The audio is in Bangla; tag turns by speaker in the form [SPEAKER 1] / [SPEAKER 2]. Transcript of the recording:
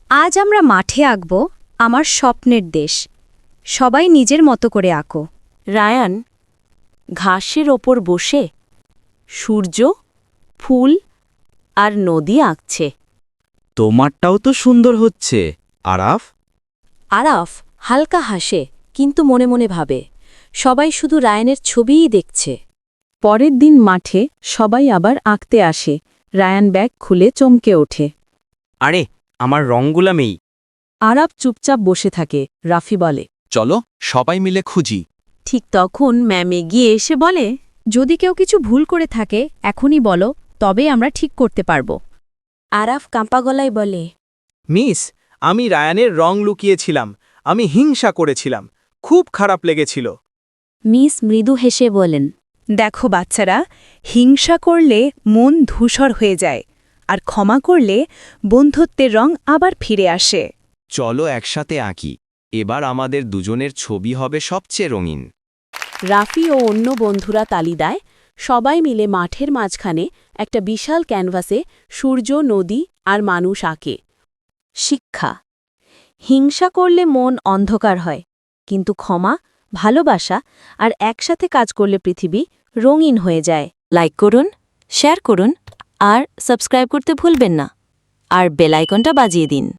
[SPEAKER 1] আজ আমরা মাঠে আঁকব আমার স্বপ্নের দেশ। সবাই নিজের মতো করে আঁকো।
[SPEAKER 2] রায়ান ঘাসের ওপর বসে সূর্য, ফুল আর নদী আঁকছে।
[SPEAKER 3] তোমারটাও তো সুন্দর হচ্ছে, আরাফ।
[SPEAKER 2] আরাফ হালকা হাসে, কিন্তু মনে মনে ভাবে সবাই শুধু রায়ানের ছবিই দেখছে। পরের দিন মাঠে সবাই আবার আঁকতে আসে। রায়ান ব্যাগ খুলে চমকে ওঠে।
[SPEAKER 3] আরে, আমার রঙগুলা মেই।
[SPEAKER 2] আরাফ চুপচাপ বসে থাকে। রাফি বলে,
[SPEAKER 4] চলো সবাই মিলে খুঁজি।
[SPEAKER 2] ঠিক তখন ম্যাম এগিয়ে এসে বলে,
[SPEAKER 1] যদি কেউ কিছু ভুল করে থাকে এখনই বলো, তবে আমরা ঠিক করতে পারব।
[SPEAKER 2] আরাফ কাঁপা গলায় বলে,
[SPEAKER 5] মিস, আমি রায়ানের রং লুকিয়েছিলাম। আমি হিংসা করেছিলাম। খুব খারাপ লেগেছিল।
[SPEAKER 2] মিস মৃদু হেসে বলেন,
[SPEAKER 1] দেখো বাচ্চারা, হিংসা করলে মন ধূসর হয়ে যায়, আর ক্ষমা করলে বন্ধুত্বের রং আবার ফিরে আসে।
[SPEAKER 4] চলো একসাথে আঁকি। এবার আমাদের দুজনের ছবি হবে সবচেয়ে রঙিন।
[SPEAKER 2] রাফি ও অন্য বন্ধুরা তালি দেয়। সবাই মিলে মাঠের মাঝখানে একটা বিশাল ক্যানভাসে সূর্য, নদী আর মানুষ আঁকে। শিক্ষা: হিংসা করলে মন অন্ধকার হয়, কিন্তু ক্ষমা, ভালোবাসা আর একসাথে কাজ করলে পৃথিবী রঙিন হয়ে যায়। লাইক করুন, শেয়ার করুন আর সাবস্ক্রাইব করতে ভুলবেন না। আর বেল আইকনটা বাজিয়ে দিন।